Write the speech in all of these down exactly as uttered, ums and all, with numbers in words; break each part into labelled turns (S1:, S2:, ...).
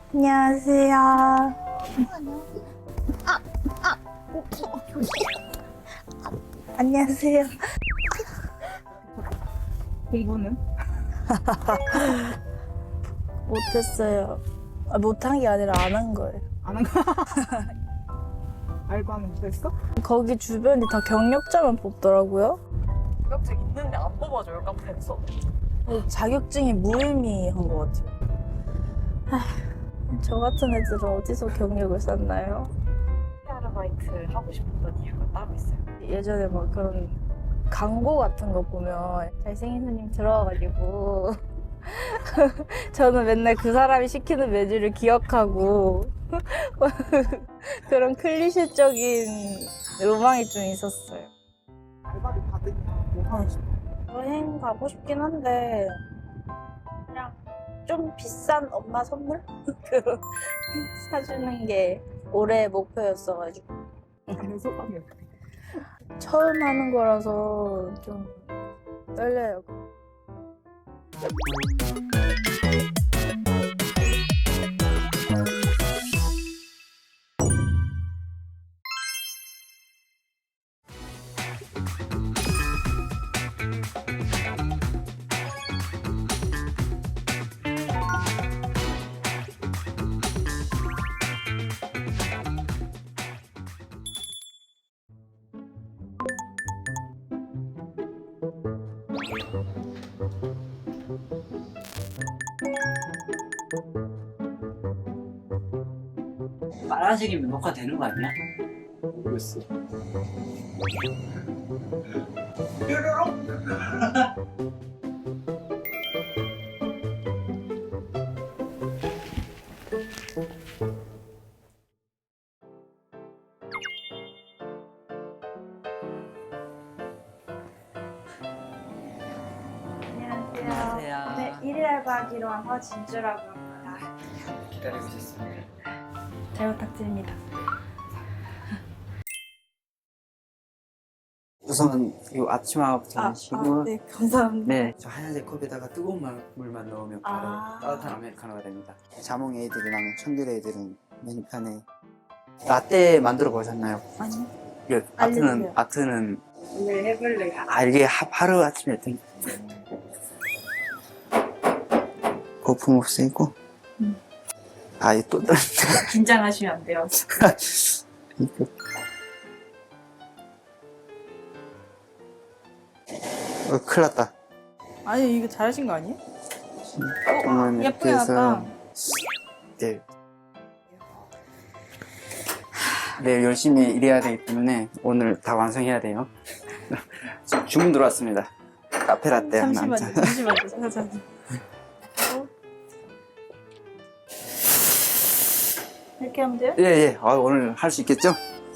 S1: 안녕하세요.
S2: 아, 아,
S1: 안녕하세요.
S2: 공부는?
S1: 못했어요. 아, 못한 게 아니라 안 한 거예요.
S2: 안 한 거? 알고 하면 됐어?
S1: 거기 주변이 다 경력자만 뽑더라고요.
S2: 자격증 있는데 안 뽑아줘요, 카페에서.
S1: 자격증이 무의미한 것 같아요. 아휴, 저 같은 애들은 어디서 경력을 쌓나요?
S2: 아르바이트 하고 싶었던 이유가 따로 있어요.
S1: 예전에 막 그런 광고 같은 거 보면 잘생긴 손님 들어와가지고 저는 맨날 그 사람이 시키는 메뉴를 기억하고 그런 클리셰적인 로망이 좀 있었어요.
S2: 알바를 받으면 뭐 하고 싶어?
S1: 여행 가고 싶긴 한데 그냥 좀 비싼 엄마 선물? 그런 사주는 게 올해 목표였어가지고
S2: 가는 소감이 어때?
S1: 처음 하는 거라서 좀 떨려요.
S3: 빨간색이면 녹화되는 거 아니야?
S2: 모르겠어.
S1: 안녕하세요.
S3: 안녕하세요.
S1: 네, 일일 알바하기로 한 허진주라고 합니다.
S3: 기다리고 있었습니다.
S1: 잘 부탁드립니다.
S3: 우선 이 앞치마부터 하시고
S1: 네, 감사합니다.
S3: 네, 저 하얀색 컵에다가 뜨거운 물- 물만 넣으면 바로
S1: 아.
S3: 따뜻한 아메리카노가 됩니다. 자몽 에이드랑 청귤 에이드는 메뉴판에 라떼 만들어 보셨나요?
S1: 아니,
S3: 이게 아트는
S1: 알려주세요.
S3: 아트는
S2: 오늘 해볼래요.
S3: 아 이게 하, 하루 아침에 했던 거품 없애고
S1: 음.
S3: 아이또
S2: 긴장하시면 안 돼요.
S3: 이거 어, 큰일 났다.
S1: 아니 이거 잘하신 거 아니에요?
S3: 조금만 이렇게
S1: 예쁘게
S3: 해서
S1: 나왔다.
S3: 네. 네, 열심히 일해야 되기 때문에 오늘 다 완성해야 돼요. 지금 주문 들어왔습니다. 카페 라떼 하나.
S1: 잠시만요,
S3: 한 잔.
S1: 잠시만요, 잠시만요. 어? 이렇게 하면 돼요?
S3: 예, 예. 아, 오늘 할 수 있겠죠?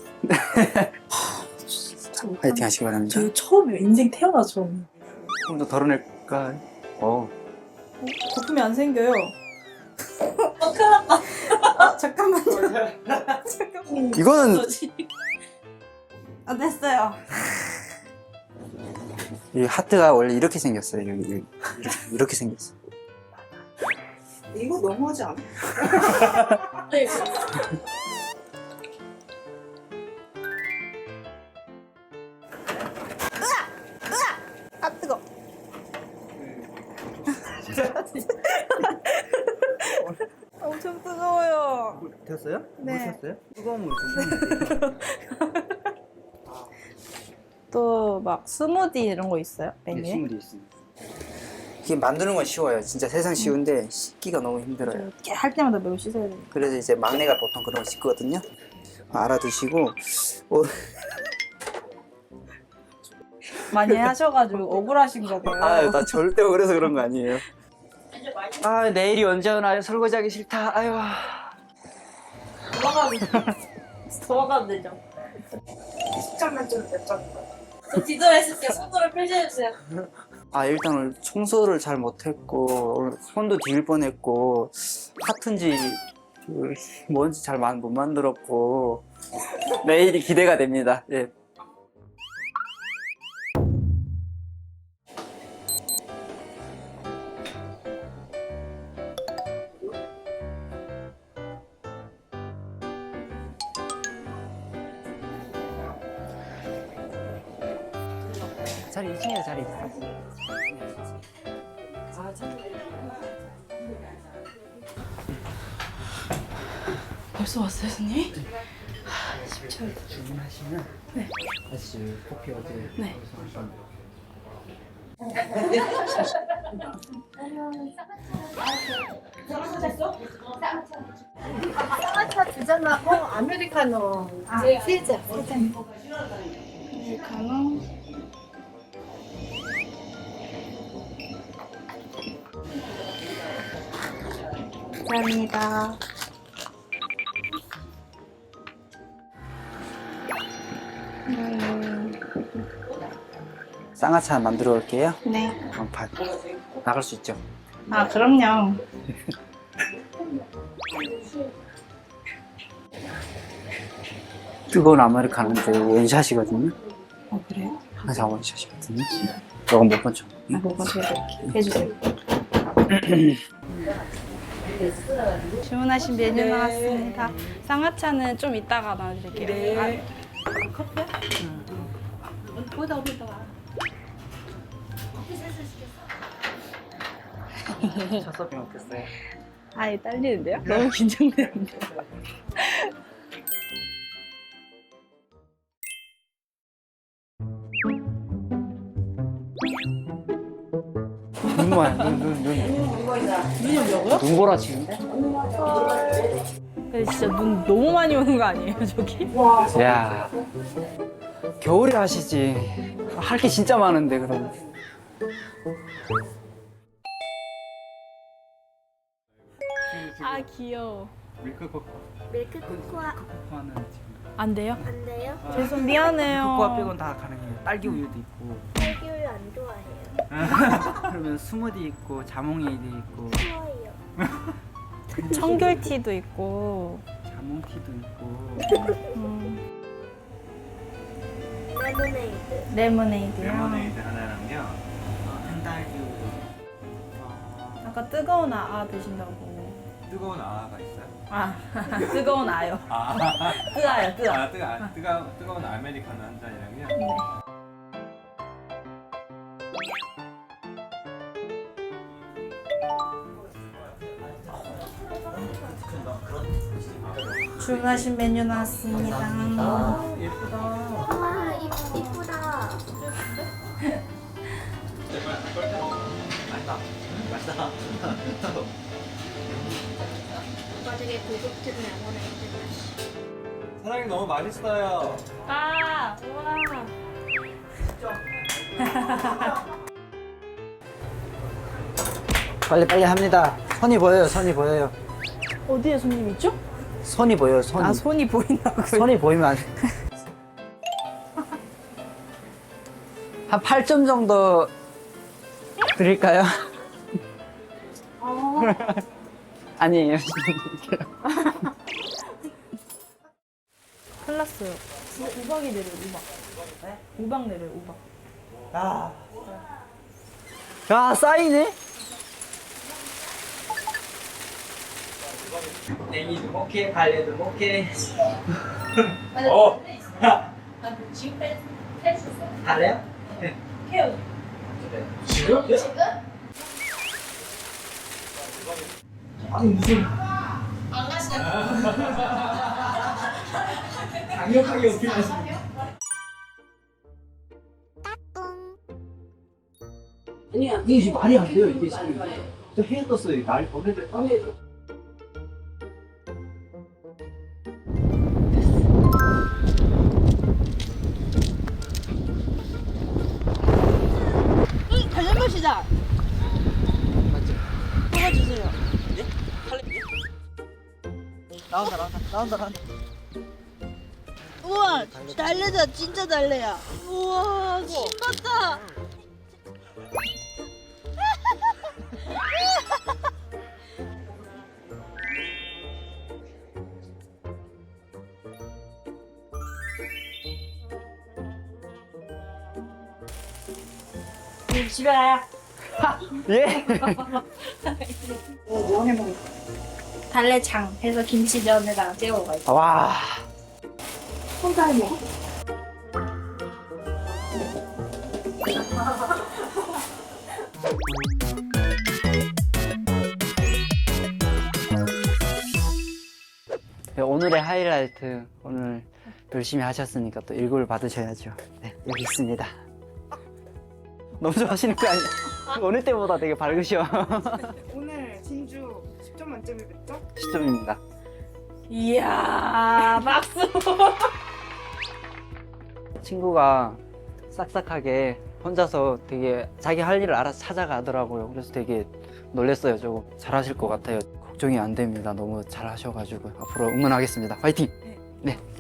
S3: 파이팅 하시기 바랍니다.
S2: 저 처음이에요. 인생 태어나 처음.
S3: 조금 더 덜어낼까? 어.
S1: 거품이 안 생겨요.
S2: 어, 큰일 났다.
S1: 아, 잠깐만요. 잠깐만요.
S3: 이거는
S1: 아, 됐어요.
S3: 이 하트가 원래 이렇게 생겼어요. 여기, 여기. 이렇게, 이렇게 생겼어요.
S2: 이거 너무하지 않아?
S1: 아, 뜨거. 엄청 뜨거워요.
S3: 됐어요?
S1: 네.
S3: 셨어요 뜨거운 물 드시면
S1: 또 막 스무디 이런 거 있어요?
S3: 네,
S1: 메뉴에?
S3: 스무디 있습니다. 이게 만드는 건 쉬워요. 진짜 세상 쉬운데 씻기가 너무 힘들어요.
S1: 이렇게 할 때마다 매우 씻어야 돼요.
S3: 그래서 이제 막내가 보통 그런 거 씻거든요. 알아두시고 어,
S1: 많이 하셔가지고 억울하신 거 봐요.
S3: 아유 나 절대 그래서 그런 거 아니에요. 아 내일이 언제 오나요? 설거지하기 싫다. 아유.
S1: 도망가면 도망가면 되죠.
S2: 십 점 만점에 몇 점인가요?
S1: 저 뒤돌아있을게요. 손으로 표시해주세요.
S3: 아 일단 오늘 청소를 잘 못했고 오늘 손도 뒤일 뻔했고 하트인지 그 뭔지 잘 못 만들었고 내일이 기대가 됩니다. 예. 자리 이 층에 자리 있어.
S1: 벌써 왔어요, 손님? 쉽지 않다.
S3: 주문하시면
S1: 네.
S3: 다시 커피 어제
S1: 네.
S4: 쌍화차 두 잔하고 아메리카노 세 잔. 세 잔.
S1: 아메리카노. 감사합니다. 음,
S3: 쌍화차 만들어 올게요.
S1: 네.
S3: 어, 바- 나갈 수 있죠?
S1: 아, 그럼요.
S3: 뜨거운 아메리카노인데 원샷이거든요.
S1: 어, 그래요?
S3: 항상 원샷이거든요. 이건 못 번죠.
S1: 아, 뭐가 해드릴게요. 해주세요. 주문하신 메뉴
S2: 네.
S1: 나왔습니다. 쌍화차는 좀 이따가 나와드릴게요.
S2: 네.
S4: 보다 보다.
S3: 첫 서빙 어땠어요?
S1: 아, 아예 떨리는데요? 너무 긴장되는데.
S3: 눈 와요. 눈, 눈, 눈.
S1: 눈이 온다고요?
S3: 눈보라치는데?
S1: 근데 진짜 눈 너무 많이 오는 거 아니에요, 저기?
S3: 야 겨울에 하시지. 할 게 진짜 많은데 그럼.
S1: 아, 귀여워.
S3: 밀크 코코.
S4: 밀크 코코아
S3: 코코아는 지금.
S1: 안 돼요?
S4: 안 돼요?
S1: 죄송, 미안해요.
S3: 코코아 빼곤 다 가능해요. 딸기 우유도 있고.
S4: 딸기우유 안 좋아해요.
S3: 그러면 스무디 있고 자몽에이드 있고
S4: 좋아해요.
S1: 청귤티도 있고.
S3: 자몽티도 있고.
S1: 음,
S4: 레모네이드.
S1: 레모네이드요.
S5: 레모네이드 하나랑요.
S3: 어, 한딸기 우유.
S1: 아까 뜨거운 아, 아 드신다고.
S5: 뜨거운 아가 있어요?
S1: 아, 뜨거운 아요.
S5: 아,
S1: 뜨아요, 뜨아.
S5: 아 뜨거, 아, 뜨거, 뜨거운 아메리카노 한 잔이랑요.
S1: 네. 주문하신 메뉴 나왔습니다.
S3: 예쁘다.
S4: 와 이, 이쁘다.
S3: 맛있다. 맛있다.
S4: 오빠 되게 고급진 레모네이드 맛.
S5: 사장님 너무 맛있어요.
S1: 아, 우와.
S3: 빨리 빨리 합니다. 손이 보여요. 손이 보여요.
S1: 어디에 손님 있죠?
S3: 손이 보여요. 손이.
S1: 아, 손이 보인다고요?
S3: 손이 보이면 안 돼. 한 팔 점 정도 드릴까요? 아니에요.
S1: 큰일 났어요. 우 박이 내려요, 우 박. 우 박 내려요, 우 박.
S3: 야, 야 쌓이네? 냉이도 먹게, 발레도 먹게.
S5: 어,
S3: 발레요? 지금? 아니 무슨 강력하게 어필하시네. 아니야, 이게 지금 말이 안 돼요. 이게 지금 저 해에 떴어요. 날 보내들 밤에.
S1: 달려보시자. 뽑아주세요.
S3: 나온다, 나온다, 나온다, 나온다.
S6: 우와 달래다 진짜 달래야. 우와 신봤다.
S1: 집에 가요.
S3: 예?
S2: 뭐 해먹는
S1: 달래장 해서 김치전에다가 찍어 가지고.
S3: 와.
S4: 혼자 해먹어?
S3: 네, 오늘의 하이라이트, 오늘 열심히 하셨으니까 또 일구를 받으셔야죠. 네, 여기 있습니다. 너무 좋아하시는 거 아니에요? 오늘 때보다 되게 밝으셔.
S2: 오늘 진주 십 점 만점에 몇 점?
S3: 십 점입니다.
S1: 이야, 박수.
S3: 친구가 싹싹하게 혼자서 되게 자기 할 일을 알아서 찾아가더라고요. 그래서 되게 놀랬어요. 조금 잘하실 것 같아요. 걱정이 안 됩니다. 너무 잘하셔가지고 앞으로 응원하겠습니다. 화이팅! 네.